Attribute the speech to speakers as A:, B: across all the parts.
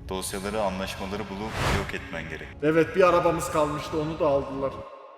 A: Dosyaları, anlaşmaları bulup yok etmen gerek.
B: Evet, bir arabamız kalmıştı, onu da aldılar.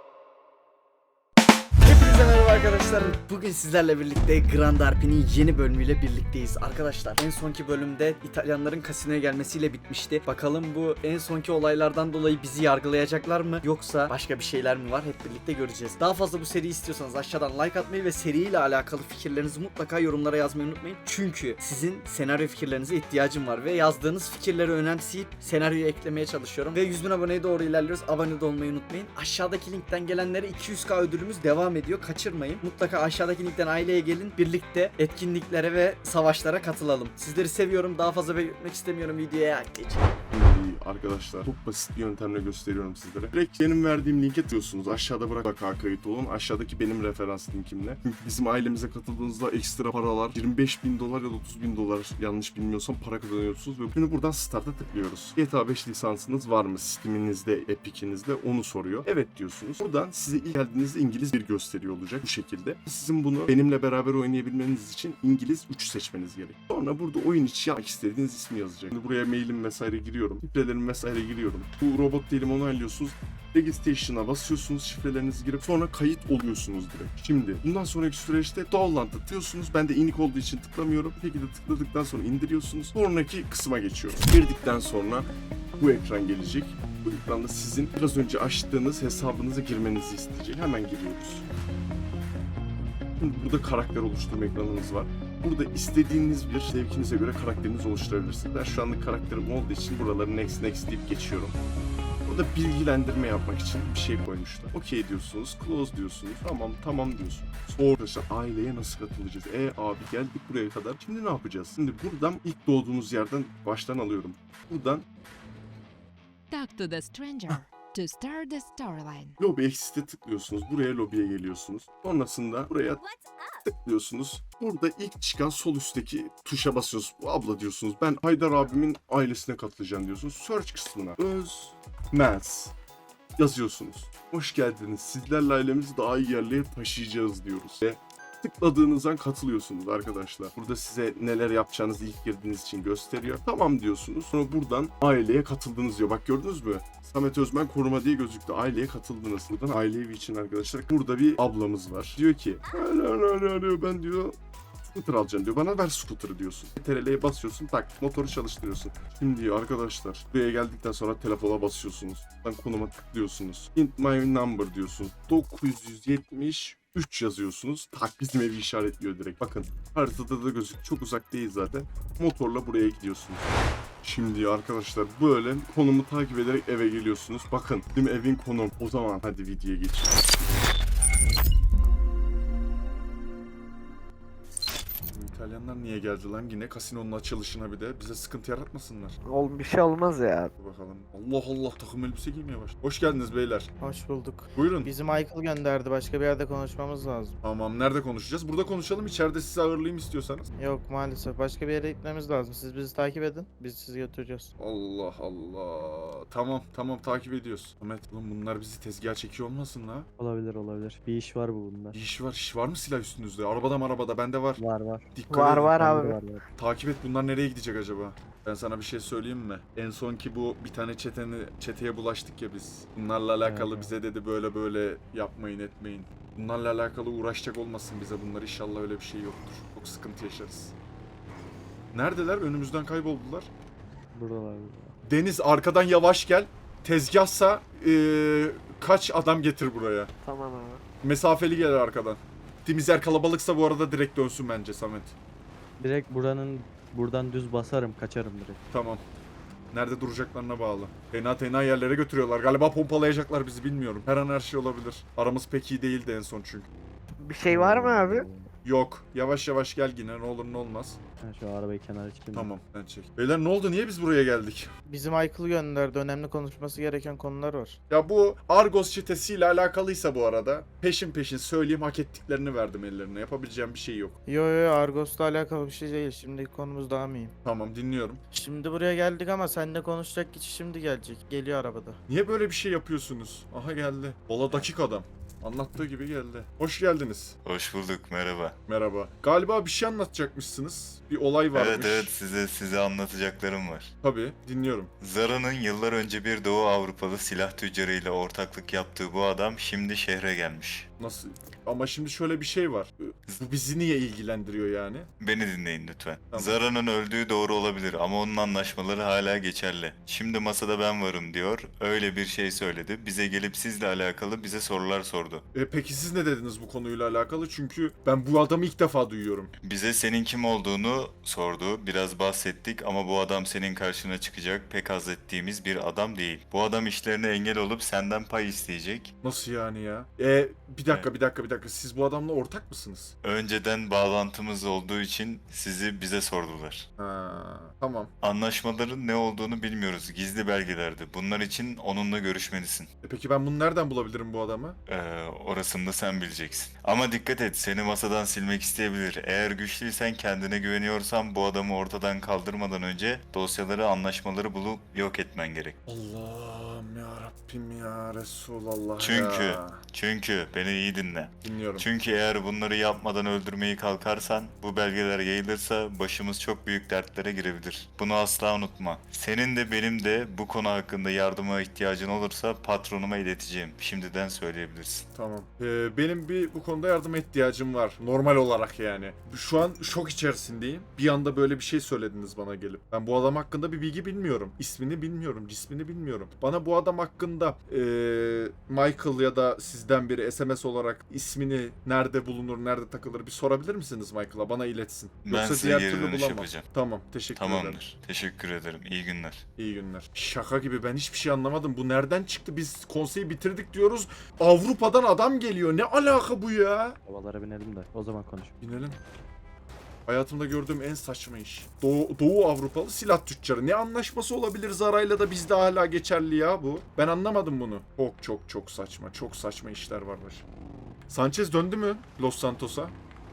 C: Hepinize merhaba arkadaşlar. Bugün sizlerle birlikte Grand RP'nin yeni bölümüyle birlikteyiz. Arkadaşlar en sonki bölümde İtalyanların kasinoya gelmesiyle bitmişti. Bakalım bu en sonki olaylardan dolayı bizi yargılayacaklar mı? Yoksa başka bir şeyler mi var? Hep birlikte göreceğiz. Daha fazla bu seriyi istiyorsanız aşağıdan like atmayı ve seriyle alakalı fikirlerinizi mutlaka yorumlara yazmayı unutmayın. Çünkü sizin senaryo fikirlerinize ihtiyacım var ve yazdığınız fikirleri önemseyip senaryoya eklemeye çalışıyorum. Ve 100.000 aboneye doğru ilerliyoruz. Abone de olmayı unutmayın. Aşağıdaki linkten gelenlere 200k ödülümüz devam ediyor. Kaçırmayın. Mutlaka aşağıdaki linkten aileye gelin. Birlikte etkinliklere ve savaşlara katılalım. Sizleri seviyorum. Daha fazla bekletmek istemiyorum. Videoya geçelim.
B: Arkadaşlar çok basit bir yöntemle gösteriyorum sizlere. Direkt benim verdiğim linke tıklıyorsunuz. Aşağıda mutlaka kayıt olun. Aşağıdaki benim referans linkimle. Çünkü bizim ailemize katıldığınızda ekstra paralar 25.000 dolar ya da 30.000 dolar yanlış bilmiyorsam para kazanıyorsunuz. Ve şimdi buradan start'a tıklıyoruz. GTA 5 lisansınız var mı? Steam'inizde, Epic'inizde onu soruyor. Evet diyorsunuz. Buradan size ilk geldiğinizde İngiliz bir gösteriyor olacak bu şekilde. Sizin bunu benimle beraber oynayabilmeniz için İngiliz 3 seçmeniz gerek. Sonra burada oyun içi yapmak istediğiniz ismi yazacak. Şimdi buraya mailim vesaire giriyorum. Şifrelerimi vesaire giriyorum. Bu robot değilim onaylıyorsunuz. Registration'a basıyorsunuz, şifrelerinizi girip sonra kayıt oluyorsunuz direkt. Şimdi bundan sonraki süreçte download tıklıyorsunuz. Ben de inik olduğu için tıklamıyorum. Peki de tıkladıktan sonra indiriyorsunuz. Sonraki kısma geçiyoruz. Girdikten sonra bu ekran gelecek. Bu ekranda sizin biraz önce açtığınız hesabınıza girmenizi isteyecek. Hemen giriyoruz. Şimdi burada karakter oluşturma ekranınız var. Burada istediğiniz bir zevkinize göre karakterinizi oluşturabilirsiniz. Ben şu anlık karakterim olduğu için buraları next deyip geçiyorum. Burada bilgilendirme yapmak için bir şey koymuşlar. Okey diyorsunuz, close diyorsunuz, tamam diyorsunuz. Sonra arkadaşlar aileye nasıl katılacağız? Abi geldik buraya kadar. Şimdi ne yapacağız? Şimdi buradan ilk doğduğunuz yerden baştan alıyorum. Buradan
D: Talk to the stranger to start the storyline.
B: Lobby Exit'e tıklıyorsunuz. Buraya lobiye geliyorsunuz. Sonrasında buraya tıklıyorsunuz. Burada ilk çıkan sol üstteki tuşa basıyorsunuz. Bu abla diyorsunuz. Ben Haydar abimin ailesine katılacağım diyorsunuz. Search kısmına Özmez yazıyorsunuz. Hoş geldiniz. Sizlerle ailemizi daha iyi yerlere taşıyacağız diyoruz. Ve tıkladığınız an katılıyorsunuz arkadaşlar. Burada size neler yapacağınızı ilk girdiğiniz için gösteriyor. Tamam diyorsunuz. Sonra buradan aileye katıldınız diyor. Bak gördünüz mü? Samet Özmen koruma diye gözüktü. Aileye katıldınız. Buradan aile evi için arkadaşlar. Burada bir ablamız var. Diyor ki ben diyor scooter alacağım diyor. Bana ver scooter'ı diyorsun. TRL'ye basıyorsun, tak motoru çalıştırıyorsun. Şimdi diyor arkadaşlar buraya geldikten sonra telefona basıyorsunuz. Konuma tıklıyorsunuz. Hint my number diyorsunuz. 973 yazıyorsunuz. Tak bizim evi işaretliyor direkt. Bakın haritada da gözük. Çok uzak değil zaten. Motorla buraya gidiyorsunuz. Şimdi arkadaşlar böyle konumu takip ederek eve geliyorsunuz. Bakın bizim evin konum. O zaman hadi videoya geçelim. İtalyanlar niye geldi lan yine kasinonun açılışına bir de bize sıkıntı yaratmasınlar.
E: Bir şey olmaz ya.
B: Dur bakalım. Allah Allah takım elbise giymeye başladı. Hoş geldiniz beyler.
F: Hoş bulduk.
B: Buyurun.
F: Bizi Michael gönderdi. Başka bir yerde konuşmamız lazım.
B: Tamam nerede konuşacağız? Burada konuşalım. İçeride sizi ağırlayayım istiyorsanız.
F: Yok maalesef. Başka bir yere gitmemiz lazım. Siz bizi takip edin. Biz sizi götüreceğiz.
B: Allah Allah. Tamam takip ediyoruz. Ahmet oğlum bunlar bizi tezgaha çekiyor olmasın la?
E: Olabilir. Bir iş var bunda.
B: İş var mı silah üstünüzde? Arabada bende var.
E: Var.
B: Dikkat
F: Var
B: edin.
F: var abi.
E: Var.
B: Takip et bunlar nereye gidecek acaba? Ben sana bir şey söyleyeyim mi? En son ki bu bir tane çeteye bulaştık ya biz. Bunlarla alakalı
E: Evet.
B: bize dedi böyle yapmayın etmeyin. Bunlarla alakalı uğraşacak olmasın bize bunlar inşallah öyle bir şey yoktur. Çok sıkıntı yaşarız. Neredeler? Önümüzden kayboldular.
E: Buradalar.
B: Deniz arkadan yavaş gel. Tezgahsa kaç adam getir buraya.
E: Tamam abi.
B: Mesafeli gel arkadan. Gittiğimiz yer kalabalıksa bu arada direkt dönsün bence Samet.
G: Direkt buradan düz basarım, kaçarım direkt.
B: Tamam. Nerede duracaklarına bağlı. Fena yerlere götürüyorlar. Galiba pompalayacaklar bizi bilmiyorum. Her an her şey olabilir. Aramız pek iyi değildi en son çünkü.
E: Bir şey var mı abi?
B: Yok. Yavaş gel yine ne olur ne olmaz.
G: Ben şu arabayı kenara çekeyim.
B: Tamam ben çek. Beyler ne oldu? Niye biz buraya geldik?
F: Bizi Michael gönderdi. Önemli konuşması gereken konular var.
B: Ya bu Argos çetesiyle alakalıysa bu arada peşin söyleyeyim hak ettiklerini verdim ellerine. Yapabileceğim bir şey yok.
F: Yo Argos'la alakalı bir şey değil. Şimdi konumuz daha mühim.
B: Tamam dinliyorum.
F: Şimdi buraya geldik ama seninle konuşacak kişi şimdi gelecek. Geliyor arabada.
B: Niye böyle bir şey yapıyorsunuz? Aha geldi. Valla dakik adam. Anlattığı gibi geldi. Hoş geldiniz.
A: Hoş bulduk, merhaba.
B: Merhaba. Galiba bir şey anlatacakmışsınız. Bir olay varmış.
A: Evet, size anlatacaklarım var.
B: Tabii, dinliyorum.
A: Zara'nın yıllar önce bir Doğu Avrupalı silah tüccarıyla ortaklık yaptığı bu adam şimdi şehre gelmiş.
B: Nasıl? Ama şimdi şöyle bir şey var. Bu bizi niye ilgilendiriyor yani?
A: Beni dinleyin lütfen.
B: Tamam.
A: Zara'nın öldüğü doğru olabilir ama onun anlaşmaları hala geçerli. Şimdi masada ben varım diyor. Öyle bir şey söyledi. Bize gelip sizle alakalı bize sorular sordu.
B: Peki siz ne dediniz bu konuyla alakalı? Çünkü ben bu adamı ilk defa duyuyorum.
A: Bize senin kim olduğunu sordu. Biraz bahsettik ama bu adam senin karşına çıkacak pek haz ettiğimiz bir adam değil. Bu adam işlerine engel olup senden pay isteyecek.
B: Nasıl yani ya? Bir dakika. Siz bu adamla ortak mısınız?
A: Önceden bağlantımız olduğu için sizi bize sordular.
B: Ha, tamam.
A: Anlaşmaların ne olduğunu bilmiyoruz. Gizli belgelerdi. Bunlar için onunla görüşmelisin.
B: Peki ben bunu nereden bulabilirim bu adamı?
A: Orasını da sen bileceksin. Ama dikkat et, seni masadan silmek isteyebilir. Eğer güçlüysen, kendine güveniyorsan bu adamı ortadan kaldırmadan önce dosyaları, anlaşmaları bulup yok etmen gerek.
B: Allah'ım ya Rabbim ya Resulallah
A: Çünkü
B: ya.
A: Çünkü beni iyi dinle.
B: Dinliyorum.
A: Çünkü eğer bunları yapmadan öldürmeyi kalkarsan, bu belgeler yayılırsa başımız çok büyük dertlere girebilir. Bunu asla unutma. Senin de benim de bu konu hakkında yardıma ihtiyacın olursa patronuma ileteceğim. Şimdiden söyleyebilirsin.
B: Tamam. Benim bu konuda yardıma ihtiyacım var. Normal olarak yani. Şu an şok içerisindeyim. Bir anda böyle bir şey söylediniz bana gelip. Ben bu adam hakkında bir bilgi bilmiyorum. İsmini bilmiyorum, cismini bilmiyorum. Bana bu adam hakkında Michael ya da sizden biri SMS olarak ismini nerede bulunur, nerede takılır bir sorabilir misiniz Michael'a? Bana iletsin.
A: Ben size geri dönüş
B: bulamam.
A: yapacağım.
B: Tamam, teşekkür ederim.
A: Tamamdır. Teşekkür ederim. İyi günler.
B: İyi günler. Şaka gibi, ben hiçbir şey anlamadım. Bu nereden çıktı? Biz konseyi bitirdik diyoruz. Avrupa'dan adam geliyor. Ne alaka bu ya?
E: Havalara binelim de o zaman konuş.
B: Binelim. Hayatımda gördüğüm en saçma iş. Doğu Avrupalı silah tüccarı. Ne anlaşması olabilir Zara'yla da bizde hala geçerli ya bu? Ben anlamadım bunu. Çok saçma. Çok saçma işler var başım. Sanchez döndü mü Los Santos'a?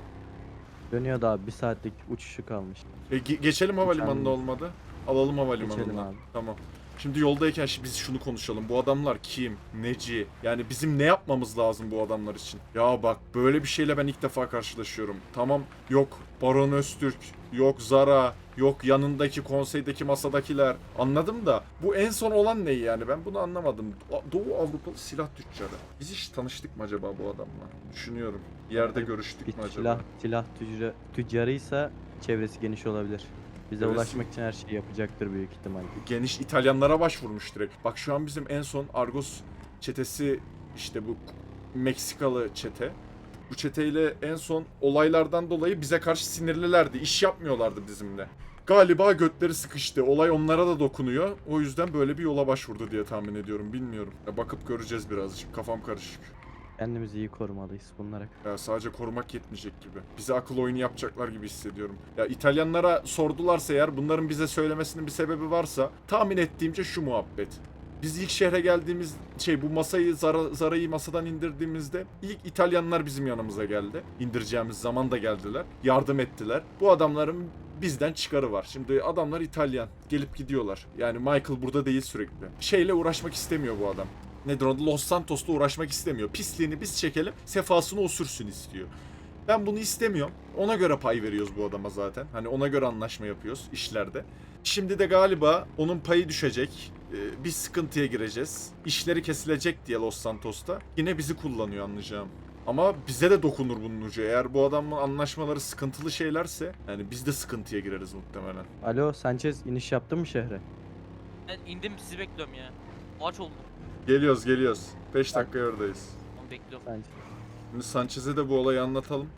E: Dönüyor da abi, bir saatlik uçuşu kalmış.
B: Geçelim havalimanında
E: Uçağın-
B: olmadı. Alalım
E: Geçelim
B: havalimanından.
E: abi.
B: Tamam. Şimdi yoldayken biz şunu konuşalım. Bu adamlar kim? Neci? Yani bizim ne yapmamız lazım bu adamlar için? Ya bak, böyle bir şeyle ben ilk defa karşılaşıyorum. Tamam, yok Baron Öztürk, yok Zara, yok yanındaki konseydeki masadakiler. Anladım da bu en son olan ne yani? Ben bunu anlamadım. Doğu Avrupalı silah tüccarı. Biz hiç tanıştık mı acaba bu adamla? Düşünüyorum. Bir yerde görüştük
E: Bir
B: mü acaba?
E: silah tüccarıysa çevresi geniş olabilir. Bize
B: Evet.
E: ulaşmak için her şeyi yapacaktır büyük ihtimal.
B: Geniş İtalyanlara başvurmuş direkt. Bak şu an bizim en son Argos çetesi, işte bu Meksikalı çete. Bu çeteyle en son olaylardan dolayı bize karşı sinirlilerdi. İş yapmıyorlardı bizimle. Galiba götleri sıkıştı. Olay onlara da dokunuyor. O yüzden böyle bir yola başvurdu diye tahmin ediyorum. Bilmiyorum. Bakıp göreceğiz birazcık. Kafam karışık.
E: Kendimizi iyi korumalıyız bunlara.
B: Ya sadece korumak yetmeyecek gibi. Bize akıl oyunu yapacaklar gibi hissediyorum. Ya İtalyanlara sordularsa eğer, bunların bize söylemesinin bir sebebi varsa, tahmin ettiğimce şu muhabbet. Biz ilk şehre geldiğimiz bu masayı Zara'yı masadan indirdiğimizde ilk İtalyanlar bizim yanımıza geldi. İndireceğimiz zaman da geldiler. Yardım ettiler. Bu adamların bizden çıkarı var. Şimdi adamlar İtalyan. Gelip gidiyorlar. Yani Michael burada değil sürekli. Şeyle uğraşmak istemiyor bu adam. Nedir o? Los Santos'la uğraşmak istemiyor. Pisliğini biz çekelim, sefasını o sürsün istiyor. Ben bunu istemiyorum. Ona göre pay veriyoruz bu adama zaten. Hani ona göre anlaşma yapıyoruz işlerde. Şimdi de galiba onun payı düşecek. Bir sıkıntıya gireceğiz. İşleri kesilecek diye Los Santos'ta. Yine bizi kullanıyor anlayacağım. Ama bize de dokunur bunun ucu. Eğer bu adamın anlaşmaları sıkıntılı şeylerse, yani biz de sıkıntıya gireriz muhtemelen.
E: Alo Sanchez, iniş yaptın mı şehre?
H: Ben indim, sizi bekliyorum ya. Aç oldum.
B: Geliyoruz. 5 dakika oradayız.
H: Onu bekliyorum.
E: Sanchez.
B: Şimdi Sanchez'e de bu olayı anlatalım.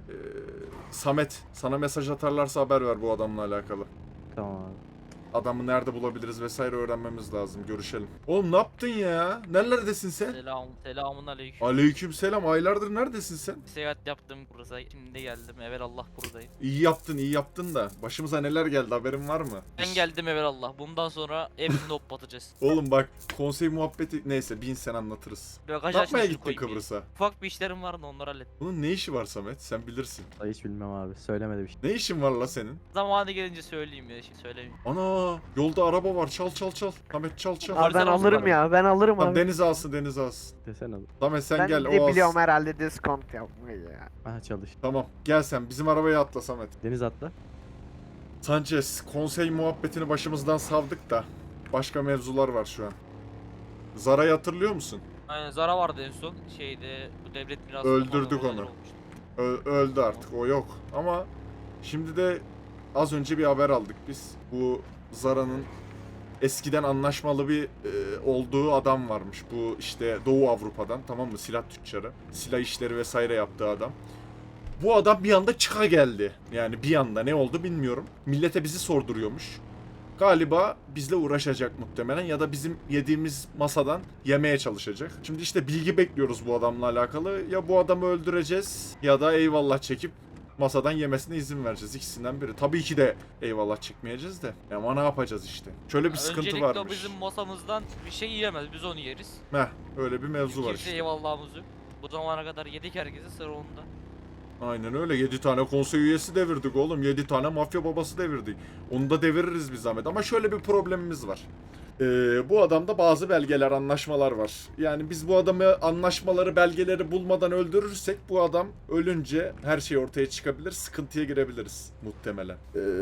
B: Samet, sana mesaj atarlarsa haber ver bu adamla alakalı.
E: Tamam abi.
B: Adamı nerede bulabiliriz vesaire öğrenmemiz lazım. Görüşelim. Oğlum ne yaptın ya? Nerelerdesin sen?
H: Selamun aleyküm.
B: Aleykümselam. Aylardır neredesin sen?
H: Seyahat yaptım buraya. Şimdi geldim. Evelallah buradayım.
B: İyi yaptın da. Başımıza neler geldi, haberin var mı?
H: Ben geldim evelallah. Bundan sonra hepsini hoplatacağız.
B: Oğlum bak, konsey muhabbeti neyse, bin sen anlatırız.
H: Bagaj
B: Ne yapmaya
H: açmasını
B: gittin
H: koyayım ya.
B: Kıbrıs'a?
H: Ufak bir işlerim vardı, onları hallettim.
B: Bunun ne işi var Samet? Sen bilirsin.
E: Hiç bilmem abi. Söylemedi bir şey.
B: Ne işin var la senin?
H: Zamanı gelince söyleyeyim ya. Şimdi söylemeyeyim.
B: Ana, Ana yolda araba var. Çal çal çal. Samet çal çal.
F: Abi ben alırım ya. Ben alırım
B: Tamam,
F: abi.
B: deniz alsın deniz alsın.
G: Desene.
B: Samet sen
F: Ben
B: gel
F: de
B: o alsın.
F: biliyorum herhalde diskont yapmayı ya.
G: Aha çalış.
B: Tamam gel sen bizim arabaya atla Samet.
G: Deniz atla.
B: Sanchez konsey muhabbetini başımızdan savdık da başka mevzular var şu an. Zara'yı hatırlıyor musun?
H: Aynen Zara vardı en son. Şeyde bu devlet mirası.
B: Öldürdük
H: falan
B: onu.
H: olmuştu.
B: Öldü artık o yok. Ama şimdi de az önce bir haber aldık biz. Bu Zara'nın eskiden anlaşmalı bir olduğu adam varmış. Bu işte Doğu Avrupa'dan, tamam mı, silah tüccarı. Silah işleri vesaire yaptığı adam. Bu adam bir anda çıka geldi. Yani bir anda ne oldu bilmiyorum. Millete bizi sorduruyormuş. Galiba bizle uğraşacak muhtemelen ya da bizim yediğimiz masadan yemeye çalışacak. Şimdi işte bilgi bekliyoruz bu adamla alakalı. Ya bu adamı öldüreceğiz ya da eyvallah çekip masadan yemesine izin vereceğiz. İkisinden biri. Tabii ki de eyvallah çekmeyeceğiz de. Ama ne yapacağız işte. Şöyle bir sıkıntı
H: Öncelikle o
B: varmış.
H: bizim masamızdan bir şey yiyemez. Biz onu yeriz.
B: Heh, öyle bir mevzu var
H: Kimse
B: işte.
H: eyvallahımız yok. Bu zamana kadar yedik herkese, sıra onda.
B: Aynen öyle. 7 tane konsey üyesi devirdik oğlum. 7 tane mafya babası devirdik. Onu da deviririz bir zahmet. Ama şöyle bir problemimiz var. Bu adamda bazı belgeler, anlaşmalar var. Yani biz bu adamı anlaşmaları, belgeleri bulmadan öldürürsek bu adam ölünce her şey ortaya çıkabilir. Sıkıntıya girebiliriz muhtemelen.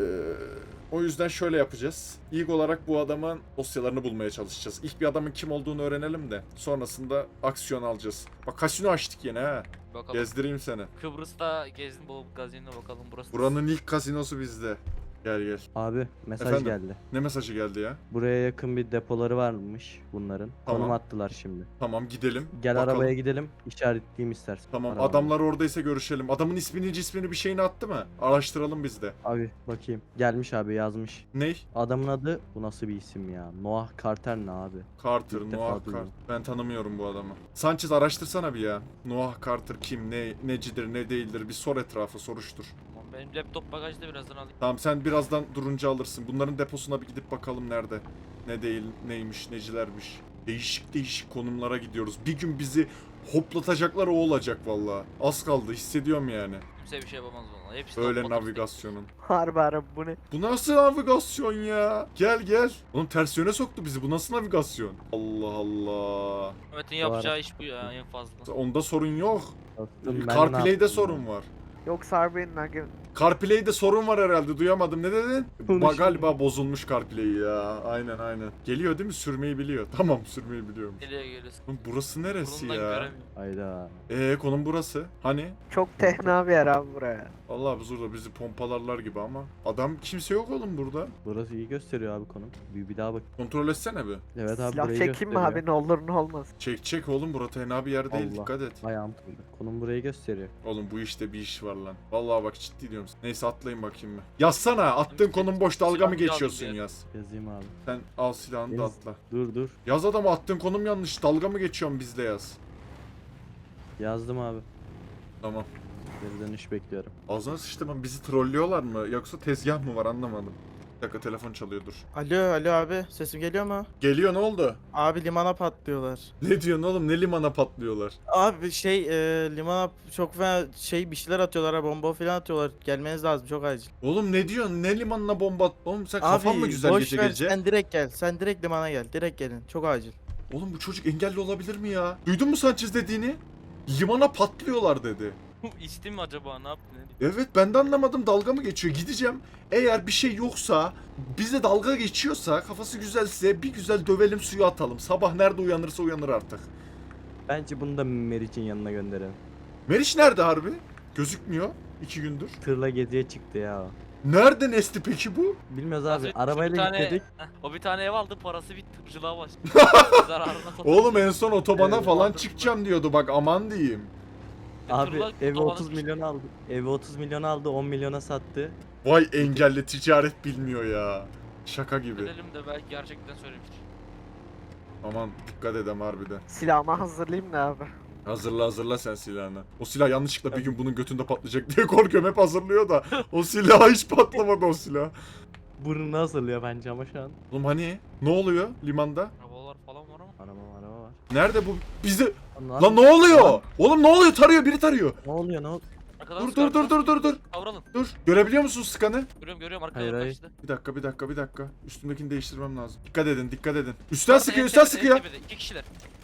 B: O yüzden şöyle yapacağız. İlk olarak bu adamın dosyalarını bulmaya çalışacağız. İlk bir adamın kim olduğunu öğrenelim de sonrasında aksiyon alacağız. Bak kasino açtık yine ha.
H: Bakalım.
B: Gezdireyim seni.
H: Kıbrıs'ta gezdim, bu gazinoya bakalım burası.
B: Buranın ilk kasinosu bizde. Gel gel.
G: Abi mesaj
B: Efendim?
G: geldi.
B: Ne mesajı geldi ya?
G: Buraya yakın bir depoları varmış bunların.
B: Tamam.
G: Konum attılar şimdi.
B: Tamam gidelim.
G: Gel
B: Bakalım.
G: arabaya gidelim. İşaretleyeyim istersen.
B: Tamam
G: Arabaya.
B: adamlar oradaysa görüşelim. Adamın ismini bir şeyini attı mı? Araştıralım biz de.
G: Abi bakayım. Gelmiş abi yazmış.
B: Ney?
G: Adamın adı bu nasıl bir isim ya? Noah Carter ne abi?
B: Carter,
G: İlk defa
B: Noah
G: duydum.
B: Carter. Ben tanımıyorum bu adamı. Sanchez araştırsana bir ya. Noah Carter kim, necidir, ne değildir bir sor etrafı, soruştur.
H: Tamam, benim laptop bagajda, birazdan alayım.
B: Tamam sen birazdan durunca alırsın. Bunların deposuna bir gidip bakalım nerede. Ne değil, neymiş, necilermiş. Değişik değişik konumlara gidiyoruz. Bir gün bizi hoplatacaklar o olacak vallahi. Az kaldı hissediyorum yani.
H: Kimse bir şey yapamaz bana. Hepsi
B: Öyle
H: toplatır
B: navigasyonun.
F: Harbi harbi bu ne?
B: Bu nasıl navigasyon ya? Gel gel. Oğlum ters yöne soktu bizi. Bu nasıl navigasyon? Allah Allah.
H: tek. Mehmet'in yapacağı iş bu ya en fazla.
B: Onda sorun yok.
G: Dostum, ben de ne
B: CarPlay'de
G: yaptım
B: sorun
G: ya?
B: var.
F: Yoksa harbi nugget.
B: CarPlay'de sorun var herhalde. Duyamadım. Ne dedin?
G: Konuşma.
B: Galiba bozulmuş CarPlay ya. Aynen aynen. Geliyor değil mi? Sürmeyi biliyor. Tamam sürmeyi biliyorum.
H: Geliyor geliyorsun.
B: Oğlum burası neresi
H: Burundan
B: ya?
H: göremiyorum.
G: Hayda.
B: Konum burası. Hani?
F: Çok tehna bir yer abi buraya.
B: Allah burada bizi pompalarlar gibi ama. Adam kimse yok oğlum burada.
G: Burası iyi gösteriyor abi konum. Bir daha bak.
B: Kontrol etsene bir.
G: Evet abi
F: Silah
G: burayı
F: çekeyim mi
G: gösteriyor.
F: abi ne olur ne olmaz.
B: Çek çek oğlum. Burası tenha bir yer değil.
G: Allah.
B: Dikkat et.
G: Ayağım tutuldu. Konum burayı gösteriyor.
B: Oğlum bu işte bir iş var lan. Vallahi bak ciddi diyorum. Neyse atlayın bakayım mı? Yazsana. Attığın konum boş. Dalga mı
H: Silahını
B: geçiyorsun
H: alayım
B: yaz.
G: Yazayım abi.
B: Sen al silahını da
G: Yaz.
B: atla.
G: Dur.
B: Yaz adamı attığın konum yanlış. Dalga mı geçiyorsun bizle yaz.
G: Yazdım abi.
B: Tamam.
G: Geri dönüş bekliyorum.
B: Ağzına sıçtım ama bizi trollüyorlar mı? Yoksa tezgah mı var anlamadım. Bir dakika telefon çalıyordur.
F: Alo abi sesim geliyor mu?
B: Geliyor ne oldu?
F: Abi limana patlıyorlar.
B: Ne diyorsun oğlum? Ne limana patlıyorlar?
F: Abi limana çok fena bir şeyler atıyorlar ha bomba falan atıyorlar. Gelmeniz lazım çok acil.
B: Oğlum ne diyorsun? Ne limanına bomba at? Oğlum sen kafan mı güzel
F: boş
B: gece
F: ver,
B: gece?
F: sen direkt gel. Sen direkt limana gel. Direkt gelin. Çok acil.
B: Oğlum bu çocuk engelli olabilir mi ya? Duydun mu Sanchez dediğini? Limana patlıyorlar dedi.
H: İçti mi acaba, ne yaptı?
B: Evet ben de anlamadım, dalga mı geçiyor? Gideceğim, eğer bir şey yoksa, bize dalga geçiyorsa, kafası güzelse bir güzel dövelim, suya atalım. Sabah nerede uyanırsa uyanır artık.
G: Bence bunu da Meriç'in yanına gönderelim.
B: Meriç nerede harbi? Gözükmüyor 2 gündür.
G: Tırla geziye çıktı ya.
B: Nerede Nesti peki bu?
G: Bilmez
H: Az
G: abi.
H: önce
G: Arabayla
H: bir tane-
G: gittik.
H: O bir tane ev aldı, parası bitti, tırcılığa başladı. Zararına satıyor.
B: Oğlum en son otobana
G: Evet,
B: falan
H: aldım.
B: çıkacağım diyordu, bak aman diyeyim.
G: Abi
H: Tırla
G: evi
H: otobana
G: 30
H: düştü.
G: milyon aldı. Evi 30 milyon aldı, 10 milyona sattı.
B: Vay engelli, ticaret bilmiyor ya. Şaka gibi.
H: Gidelim de belki gerçekten söylemiştir.
B: Aman dikkat edem harbiden.
F: Silahımı hazırlayayım da abi.
B: Hazırla sen silahını. O silah yanlışlıkla bir gün bunun götünde patlayacak diye korkuyorum, hep hazırlıyor da. O silah hiç patlamadı o silah.
G: Burnunu hazırlıyor bence ama şu an.
B: Oğlum hani ne oluyor limanda?
H: Arabalar falan var ama.
G: Araba var.
B: Nerede bu? Bizi...
G: Lan,
B: Lan ne oluyor? Oğlum ne oluyor? Tarıyor, biri tarıyor.
G: Ne oluyor ne oluyor?
H: Arkadan
B: Dur
H: sıkı,
B: dur dur
H: arkadan
B: dur
H: sıkı.
B: dur dur.
H: Kavralın.
B: Dur. Görebiliyor musun skanı?
H: Görüyorum arkadan
E: Hayır, hayır.
H: kaçtı.
B: Bir dakika. Üstümdekini değiştirmem lazım. Dikkat edin. Üstten sıkıyor.
H: İki kişiler.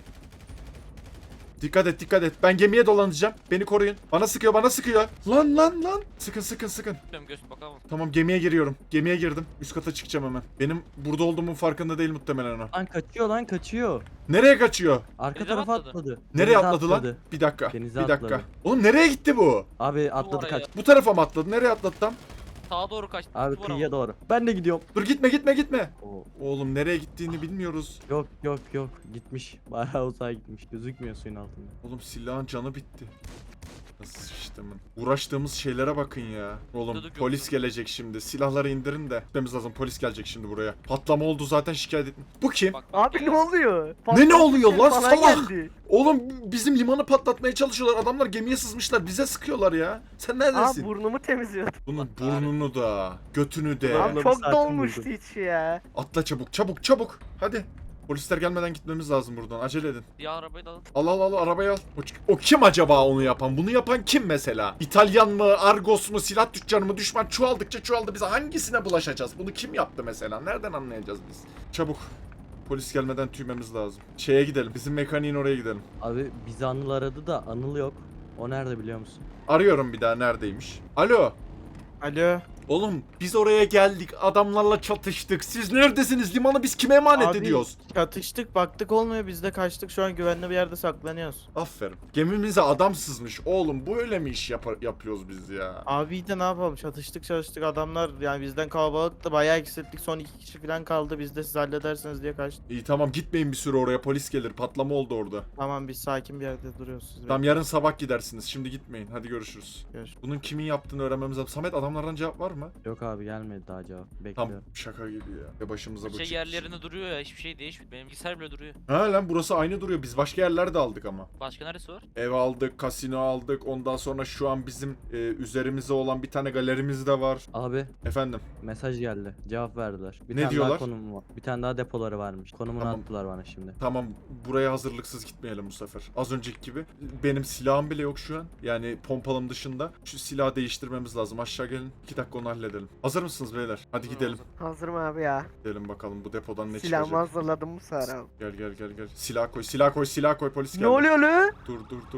B: Dikkat et. Ben gemiye dolanacağım. Beni koruyun. Bana sıkıyor. Lan. Sıkın.
H: Bilmiyorum göz bakalım.
B: Tamam, gemiye giriyorum. Gemiye girdim. Üst kata çıkacağım hemen. Benim burada olduğumun farkında değil muhtemelen o.
E: Lan kaçıyor.
B: Nereye kaçıyor?
E: Arka
H: Denize
E: tarafa
H: atladı.
E: atladı.
B: Nereye
E: Denize
B: atladı lan?
E: atladı.
B: Bir dakika.
E: Denize
B: Bir dakika.
E: atladı.
B: Oğlum nereye gitti bu?
E: Abi atladı
H: oraya.
E: kaç.
B: Bu tarafa mı atladı? Nereye atladı tam?
H: Sağa doğru kaçtı.
E: Abi
H: duvara
E: kıyıya
H: vurdu.
E: doğru. Ben de gidiyorum.
B: Dur gitme.
E: Oo.
B: Oğlum nereye gittiğini bilmiyoruz.
E: Yok. Gitmiş. Bayağı uzağa gitmiş. Gözükmüyor suyun altında.
B: Oğlum silahın canı bitti. Nasıl sıçtımın. Uğraştığımız şeylere bakın ya. Oğlum
H: Dur,
B: polis gelecek şimdi. Silahları indirin de. Gitmemiz lazım. Polis gelecek şimdi buraya. Patlama oldu zaten, şikayet ettim. Bu kim?
H: Bak,
F: Abi
H: geliyor.
F: ne oluyor?
B: Ne oluyor lan,
F: Bana
B: salak?
F: geldi.
B: Oğlum bizim limanı patlatmaya çalışıyorlar. Adamlar gemiye sızmışlar. Bize sıkıyorlar ya. Sen neredesin?
F: Burnumu temizliyordum.
B: Bunun burnunu da, götünü de.
E: Abi,
F: Abi
E: bir
F: çok
E: saatim
F: dolmuştu
E: oldu.
F: içi ya.
B: Atla çabuk. Hadi. Polisler gelmeden gitmemiz lazım buradan. Acele edin.
H: Diğer arabayı da alın.
B: Al arabayı al. O kim acaba onu yapan? Bunu yapan kim mesela? İtalyan mı? Argos mu? Silah tüccarı mı? Düşman çoğaldıkça çoğaldı. Biz hangisine bulaşacağız? Bunu kim yaptı mesela? Nereden anlayacağız biz? Çabuk. Polis gelmeden tüymemiz lazım. Şeye gidelim. Bizim mekaniğin oraya gidelim.
E: Abi bizi Anıl aradı da Anıl yok. O nerede biliyor musun?
B: Arıyorum bir daha, neredeymiş? Alo.
F: Alo.
B: Oğlum biz oraya geldik. Adamlarla çatıştık. Siz neredesiniz? Limanı biz kime emanet
F: Abi,
B: ediyoruz?
F: Çatıştık baktık olmuyor biz de kaçtık şu an güvenli bir yerde saklanıyoruz.
B: Aferin. Gemimize adam sızmış. Oğlum bu öyle mi iş yapıyoruz biz ya?
F: Abi de ne yapalım çalıştık adamlar yani bizden kalabalıktı bayağı eksilttik son 2 kişi falan kaldı biz de siz halledersiniz diye kaçtık.
B: İyi tamam, gitmeyin bir süre oraya, polis gelir. Patlama oldu orada.
F: Tamam biz sakin bir yerde duruyoruz siz.
B: Tamam, yarın sabah gidersiniz. Şimdi gitmeyin. Hadi görüşürüz.
F: Görüşürüz.
B: Bunun kimin yaptığını öğrenmemiz lazım. Samet, adamlardan cevap var mı?
E: Yok abi gelmedi daha cevap.
B: Tam
E: Bekliyorum.
B: şaka gibi ya. Ya başımıza bu
H: Şey
B: çıktı
H: yerlerinde
B: şimdi.
H: duruyor ya, hiçbir şey değişmiyor. Benim bilgisayar bile duruyor.
B: Ha lan, burası aynı duruyor. Biz başka yerler de aldık ama.
H: Başka neresi var?
B: Ev aldık, kasino aldık. Ondan sonra şu an bizim üzerimize olan bir tane galerimiz de var.
E: Abi
B: Efendim.
E: mesaj geldi. Cevap verdiler. Bir
B: Ne
E: tane
B: diyorlar?
E: daha konum var. Bir tane daha depoları varmış. Konumunu
B: Tamam.
E: attılar bana şimdi.
B: Tamam, buraya hazırlıksız gitmeyelim bu sefer. Az önceki gibi. Benim silahım bile yok şu an. Yani pompalım dışında. Şu silahı değiştirmemiz lazım. Aşağı gelin. 2 dakika onu halledelim. Hazır mısınız beyler? Hadi gidelim.
F: Hazırım abi ya.
B: Gidelim bakalım bu depodan ne
F: Silahımı
B: çıkacak.
F: hazırladım bu sefer abi.
B: Gel. Silah koy polis geldi.
F: Ne oluyor lan?
B: Dur.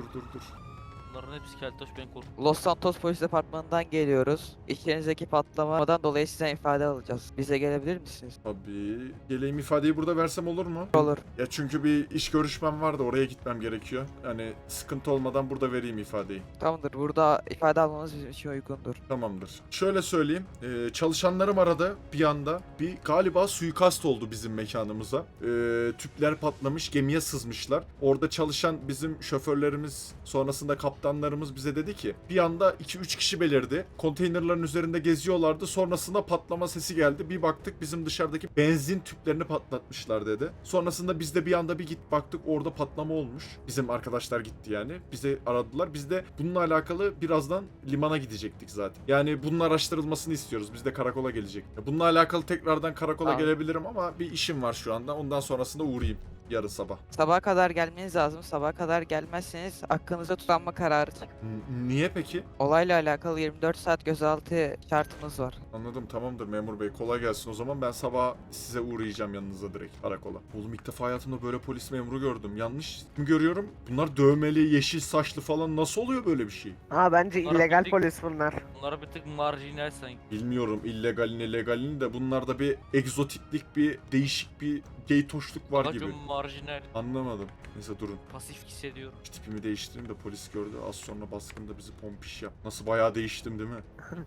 H: Bunların hepsi keltoş, ben korktum.
I: Los Santos Polis Departmanı'ndan geliyoruz. İçerinizdeki patlamadan dolayı sizden ifade alacağız. Bize gelebilir misiniz?
B: Tabii. Geleyim, ifadeyi burada versem olur mu?
I: Olur.
B: Ya çünkü bir iş görüşmem var da oraya gitmem gerekiyor. Yani sıkıntı olmadan burada vereyim ifadeyi.
I: Tamamdır. Burada ifade almanız bizim için uygundur.
B: Tamamdır. Şöyle söyleyeyim. Çalışanlarım aradı bir anda. Bir galiba suikast oldu bizim mekanımıza. Tüpler patlamış, gemiye sızmışlar. Orada çalışan bizim şoförlerimiz, sonrasında kaptanlarımız bize dedi ki bir anda 2-3 kişi belirdi. Konteynerların üzerinde geziyorlardı. Sonrasında patlama sesi geldi. Bir baktık bizim dışarıdaki benzin tüplerini patlatmışlar dedi. Sonrasında biz de bir anda bir git baktık, orada patlama olmuş. Bizim arkadaşlar gitti yani. Bizi aradılar. Biz de bununla alakalı birazdan limana gidecektik zaten. Yani bunun araştırılmasını istiyoruz. Biz de karakola gelecek. Bununla alakalı tekrardan karakola
I: Tamam.
B: gelebilirim ama bir işim var şu anda. Ondan sonrasında uğrayayım yarın sabah.
I: Sabaha kadar gelmeniz lazım. Sabaha kadar gelmezseniz hakkınızda tutanma kararı çık.
B: Niye peki?
I: Olayla alakalı 24 saat gözaltı şartımız var.
B: Anladım, tamamdır memur bey. Kolay gelsin o zaman. Ben sabah size uğrayacağım yanınıza direkt karakola. Oğlum ilk defa hayatımda böyle polis memuru gördüm. Yanlış mı görüyorum? Bunlar dövmeli, yeşil saçlı falan. Nasıl oluyor böyle bir şey?
F: Ha bence
H: Bunlar
F: illegal
H: bildik-
F: polis bunlar.
H: Bunlara bir tık marjinal sanki.
B: Bilmiyorum illegalini legalini de bunlarda bir egzotiklik, bir değişik bir geytoşluk var gibi.
H: Bakın marjinal.
B: Anlamadım. Neyse durun.
H: Pasif hissediyorum.
B: Şu tipimi değiştireyim de polis gördü. Az sonra baskında bizi pompiş yap. Nasıl bayağı değiştim değil mi?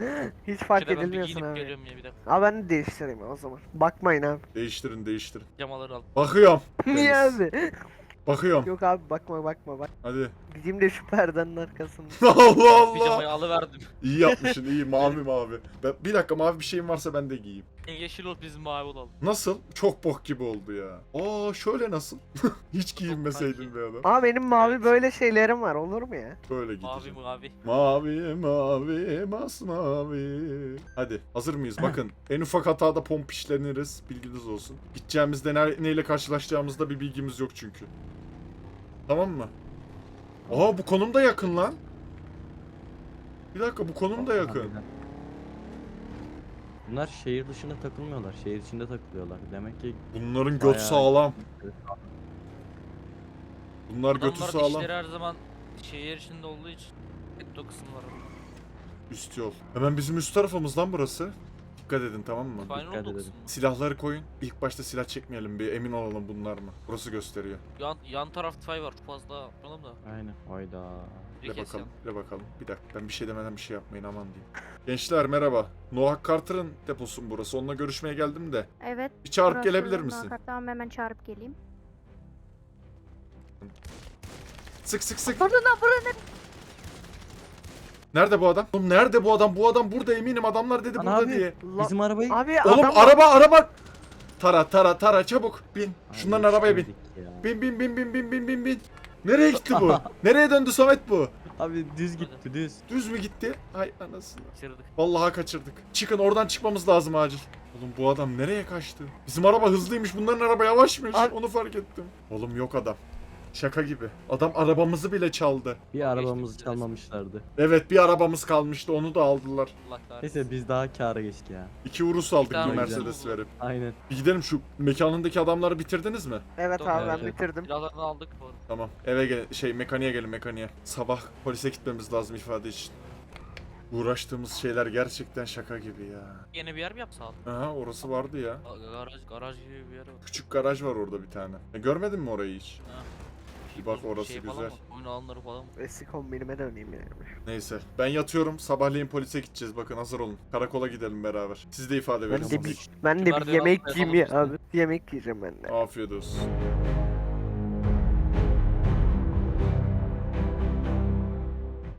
F: Hiç fark
H: Şöyle ben bir
F: edilmiyorsun
H: giyinip
F: abi.
H: geliyorum ya bir dakika.
F: Abi ben de değiştireyim o zaman. Bakmayın abi.
B: Değiştirin.
H: Pijamaları al.
B: Bakıyorum.
F: Niye
B: Deniz.
F: abi?
B: Bakıyorum.
F: Yok abi bakma bak.
B: Hadi.
F: Gideyim de şu perdenin arkasında.
B: Allah Allah.
H: Pijamayı alıverdim.
B: İyi yapmışsın, iyi. Mavi. Bir dakika, mavi bir şeyim varsa ben de giyeyim.
H: Yeşil ol, biz mavi olalım.
B: Nasıl? Çok bok gibi oldu ya. Aa şöyle nasıl? Hiç giyinmeseydin
H: sanki.
B: be adam.
F: Ama benim mavi
H: Evet.
F: böyle şeylerim var olur mu ya?
B: Böyle
H: Mavi
B: gideceğim.
H: mavi.
B: Mavi, masmavi. Hadi hazır mıyız? Bakın en ufak hatada pompişleniriz. Bilginiz olsun. Gideceğimizde neyle karşılaşacağımızda bir bilgimiz yok çünkü. Tamam mı? Aa bu konum da yakın lan. Bir dakika bu konum da yakın.
G: Harbiden. Bunlar şehir dışında takılmıyorlar. Şehir içinde takılıyorlar. Demek ki
B: Bunların göt
G: bayağı-
B: sağlam. Bunlar götü
H: Adamların
B: sağlam.
H: işleri her zaman şehir içinde olduğu için getto kısımları.
B: Üst yol. Hemen bizim üst tarafımız lan burası. Dikkat edin tamam mı?
H: Final
G: dikkat
H: oldu
G: edelim.
H: kısmı.
B: Silahları koyun. İlk başta silah çekmeyelim bir emin olalım bunlar mı? Burası gösteriyor.
H: Yan taraf fay var. Çok fazla yapalım da.
G: aynen. Hayda.
H: Bir
B: Bir
H: kes
B: bakalım,
H: yan.
B: bir bakalım. Bir dakika ben bir şey demeden bir şey yapmayın aman diyeyim. Gençler merhaba. Noah Carter'ın deposu mu burası? Onunla görüşmeye geldim de.
J: Evet.
B: Bir çağırıp
J: burası
B: gelebilir
J: Noah
B: misin?
J: Carter. Tamam hemen çağırıp geleyim.
B: Sık sık sık.
J: Burada burada.
B: Nerede bu adam? Oğlum nerede bu adam? Bu adam burada eminim adamlar dedi
G: Lan
B: burada
G: abi,
B: diye.
G: Bizim arabayı
F: Abi
B: Oğlum
F: adam
B: araba. Tara çabuk bin. Şunların
G: Ay,
B: arabaya bin.
G: yetişemedik ya.
B: Bin. Nereye gitti bu? Nereye döndü Samet bu?
G: Abi düz gitti düz.
B: Düz mü gitti? Ay anasını.
H: Bitirdik.
B: Vallahi kaçırdık. Çıkın oradan çıkmamız lazım acil. Oğlum bu adam nereye kaçtı? Bizim araba hızlıymış bunların araba yavaşmış.
F: Abi-
B: Onu fark ettim. Oğlum yok adam. Şaka gibi. Adam arabamızı bile çaldı.
G: Bir arabamızı çalmamışlardı.
B: Evet bir arabamız kalmıştı onu da aldılar.
H: Allah kahretsin.
G: Neyse biz daha kâra geçtik ya.
B: 2 Urus aldık
H: tane
B: bir
G: güzel.
B: Mercedes verip.
G: Aynen.
B: Bir gidelim şu mekanındaki adamları bitirdiniz mi?
F: evet
H: Doğru,
F: abi ben
G: evet.
F: bitirdim.
H: Silahlarını aldık bu arada.
B: Tamam. Eve gel mekaniğe gelin mekaniğe. Sabah polise gitmemiz lazım ifade için. Uğraştığımız şeyler gerçekten şaka gibi ya.
H: Yeni bir yer mi yapsa abi?
B: Aha orası vardı ya.
H: Garaj gibi bir yer var.
B: Küçük garaj var orada bir tane. Görmedin mi orayı hiç?
H: Ha.
B: Bir bak orası
H: Şey falan
B: güzel.
H: mı? Oyun alanları falan mı?
F: Eski kombinime döneyim yani.
B: Neyse ben yatıyorum sabahleyin polise gideceğiz bakın hazır olun. Karakola gidelim beraber. Siz de ifade verin.
F: Ben de bir
H: Merdiven
F: yemek
H: altında
F: yiyeyim ya
H: yatalım
F: abi. Yemek yiyeceğim ben de.
B: Afiyet olsun.